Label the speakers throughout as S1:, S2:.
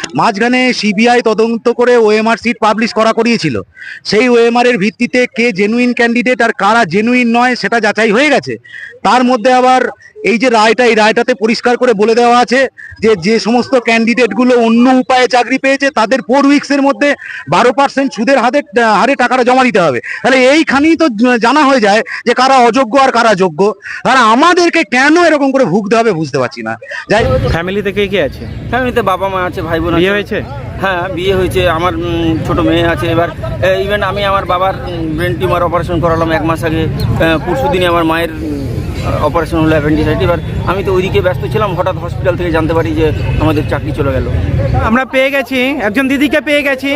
S1: মাঝখানে সিবিআই তদন্ত করে ওএমআর সিট পাবলিশ করিয়েছিল। সেই ওএমআর এর ভিত্তিতে কে জেনুইন ক্যান্ডিডেট আর কারা জেনুইন নয় সেটা যাচাই হয়ে গেছে। তার মধ্যে আবার এই যে রায়টা, এই রায়টাতে পরিষ্কার করে বলে দেওয়া আছে যে যে সমস্ত ক্যান্ডিডেটগুলো অন্য উপায়ে চাকরি পেয়েছে তাদের 4 উইক্সের মধ্যে 12% সুদের হারে টাকাটা জমা দিতে হবে। তাহলে এইখানেই তো জানা হয়ে যায় যে কারা অযোগ্য আর কারা যোগ্য। তাহলে আমাদেরকে কেন এরকম করে ভুগতে হবে বুঝতে পারছি না। যাই
S2: ফ্যামিলিতে কে কে আছে?
S3: ফ্যামিলিতে বাবা মা আছে, ভাই বোন আছে।
S2: বিয়ে হয়েছে?
S3: হ্যাঁ, বিয়ে হয়েছে, আমার ছোট মেয়ে আছে। এবার ইভেন আমি আমার বাবার ব্রেন টিউমার অপারেশন করালাম 1 মাস আগে। পরশু দিনে আমার মায়ের অপারেশন হলো অ্যাপেন্ডিসাইটিস। এবার আমি তো ওইদিকে ব্যস্ত ছিলাম, হঠাৎ হসপিটাল থেকে জানতে পারি যে আমাদের চাকরি চলে গেল।
S2: আমরা পেয়ে গেছি, একজন দিদিকে পেয়ে গেছি।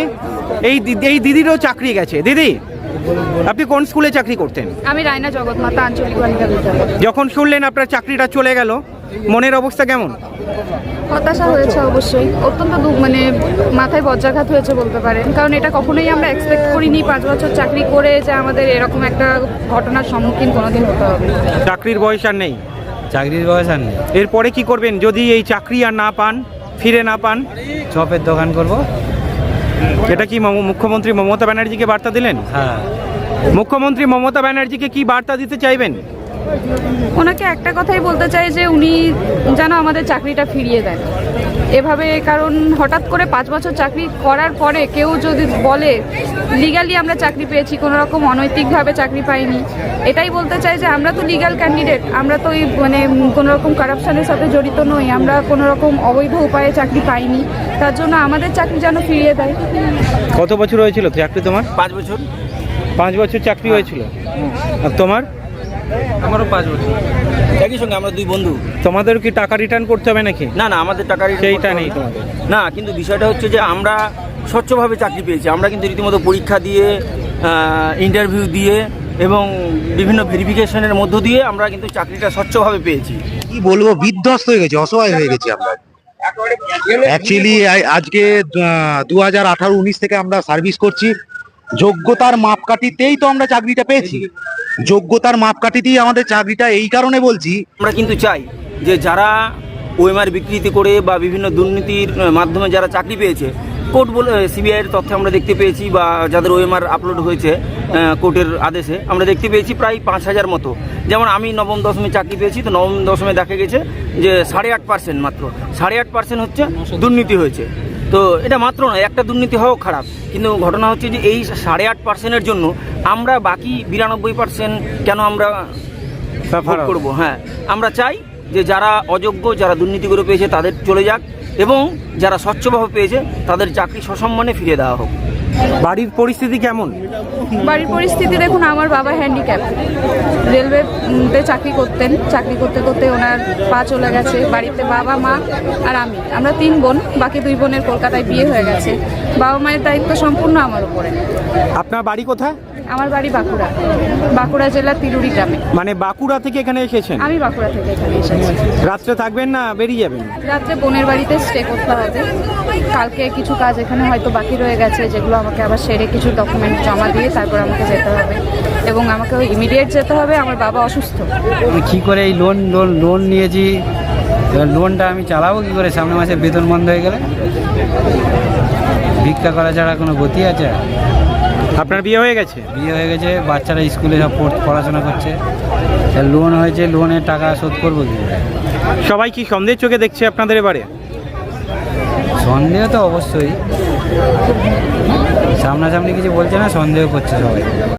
S2: এই দিদিরও চাকরি গেছে। দিদি, আপনি কোন স্কুলে চাকরি করতেন?
S4: আমি রায়না জগৎমাতা আঞ্চলিক বালিকা বিদ্যালয়।
S2: যখন শুনলেন আপনার চাকরিটা চলে গেল, মনের অবস্থা কেমন?
S4: হতাশা হয়েছে অবশ্যই, অত্যন্ত মানে মাথায় বজ্রাঘাত হয়েছে বলতে পারেন। কারণ এটা কখনোই আমরা এক্সপেক্ট করিনি 5 বছর চাকরি করে যে আমাদের এরকম একটা ঘটনার সম্মুখীন কোনোদিন হতে হবে।
S2: চাকরির বয়স আর নেই?
S5: চাকরির বয়স আর নেই।
S2: এরপরে কি করবেন যদি এই চাকরি আর না পান, ফিরে না পান?
S5: চপের দোকান করব।
S2: এটা কি মুখ্যমন্ত্রী মমতা ব্যানার্জিকে বার্তা দিলেন?
S5: হ্যাঁ।
S2: মুখ্যমন্ত্রী মমতা ব্যানার্জিকে কি বার্তা দিতে চাইবেন?
S4: ওনাকে একটা কথাই বলতে চাই যে উনি যেন আমাদের চাকরিটা ফিরিয়ে দেন এভাবে। কারণ হঠাৎ করে 5 বছর চাকরি করার পরে কেউ যদি বলে লিগালি আমরা চাকরি পেয়েছি, কোনো রকম অনৈতিকভাবে চাকরি পাইনি, এটাই বলতে চাই যে আমরা তো লিগাল ক্যান্ডিডেট, আমরা তো মানে কোনো রকম কারাপশনের সাথে জড়িত নই, আমরা কোনো রকম অবৈধ উপায়ে চাকরি পাইনি। তার জন্য আমাদের চাকরি যেন ফিরিয়ে দেয়।
S2: কত বছর হয়েছিল চাকরি তোমার?
S3: 5 বছর।
S2: 5 বছর চাকরি হয়েছিল। আর তোমার?
S3: আমারও 5 বছর। একই সঙ্গে আমরা 2 বন্ধু।
S2: তোমাদের কি টাকা রিটার্ন করতে হবে নাকি?
S3: না না, আমাদের টাকা
S2: সেইটা নেই তোমাদের?
S3: না, কিন্তু বিষয়টা হচ্ছে যে আমরা স্বচ্ছভাবে চাকরি পেয়েছি। আমরা কিন্তু রীতিমতো পরীক্ষা দিয়ে, ইন্টারভিউ দিয়ে এবং বিভিন্ন ভেরিফিকেশনের মধ্য দিয়ে আমরা কিন্তু চাকরিটা স্বচ্ছভাবে পেয়েছি।
S1: কি বলবো, বিধ্বস্ত হয়ে গেছি, অসহায় হয়ে গেছি আমরা। অ্যাকচুয়ালি আজকে 2018-19 থেকে আমরা সার্ভিস করছি। যোগ্যতার মাপকাঠিতেই তো আমরা চাকরিটা পেয়েছি। যোগ্যতার মাপকাঠিতেই আমাদের চাকরিটা, এই কারণে বলছি
S3: আমরা কিন্তু চাই যে যারা ওএমআর বিকৃতি করে বা বিভিন্ন দুর্নীতির মাধ্যমে যারা চাকরি পেয়েছে, কোর্ট বলে সিবিআইয়ের তথ্যে আমরা দেখতে পেয়েছি, বা যাদের ওএমআর আপলোড হয়েছে কোর্টের আদেশে আমরা দেখতে পেয়েছি প্রায় 5000 মতো। যেমন আমি নবম দশমে চাকরি পেয়েছি, তো নবম দশমে দেখা গেছে যে 8.5%, মাত্র 8.5% হচ্ছে দুর্নীতি হয়েছে। তো এটা মাত্র নয়, একটা দুর্নীতি হওয়াও খারাপ, কিন্তু ঘটনা হচ্ছে যে এই 8.5%-এর জন্য আমরা বাকি 92% কেন আমরা ভোগ করবো? হ্যাঁ, আমরা চাই যে যারা অযোগ্য, যারা দুর্নীতি করে পেয়েছে তাদের চলে যাক, এবং যারা স্বচ্ছভাবে পেয়েছে তাদের চাকরি সসম্মানে ফিরিয়ে দেওয়া হোক।
S2: বাড়ির পরিস্থিতি কেমন?
S4: বাড়ির পরিস্থিতি দেখুন, আমার বাবা হ্যান্ডিক্যাপ, রেলওয়েতে চাকরি করতেন। চাকরি করতে করতে ওনার পা চলে গেছে। বাড়িতে বাবা, মা আর আমরা 3 বোন। বাকি 2 বোনের কলকাতায় বিয়ে হয়ে গেছে। বাবা মায়ের দায়িত্ব সম্পূর্ণ আমার উপরে।
S2: আপনার বাড়ি কোথায়?
S4: আমার বাড়ি বাঁকুড়া জেলার তিরুরি গ্রামে।
S2: মানে বাঁকুড়া থেকে এখানে এসেছেন?
S4: আমি বাঁকুড়া থেকে এখানে এসেছি।
S2: রাত্রে থাকবেন না বেরিয়ে যাবেন?
S4: রাত্রে বোনের বাড়িতে স্টে করতে হবে। কালকে কিছু কাজ এখানে হয়তো বাকি রয়ে গেছে, যেগুলো আমাকে আবার সেরে কিছু ডকুমেন্ট জমা দিয়ে তারপর আমাকে যেতে হবে, এবং আমাকে ইমিডিয়েট যেতে হবে। আমার বাবা অসুস্থ।
S5: কি করে এই লোন নিয়েছি, লোনটা আমি চালাবো কি করে? সামনের মাসে বেতন বন্ধ হয়ে গেলে ভিক্ষা করা ছাড়া কোনো গতি আছে?
S2: আপনার বিয়ে হয়ে গেছে?
S5: বিয়ে হয়ে গেছে, বাচ্চারা স্কুলে সব পড়াশোনা করছে। লোন হয়েছে, লোনের টাকা শোধ করবো কি?
S2: সবাই কি সন্দেহের চোখে দেখছে আপনাদের এবারে?
S5: সন্দেহ তো অবশ্যই, সামনাসামনি কিছু বলছে না, সন্দেহ করছে সবাই।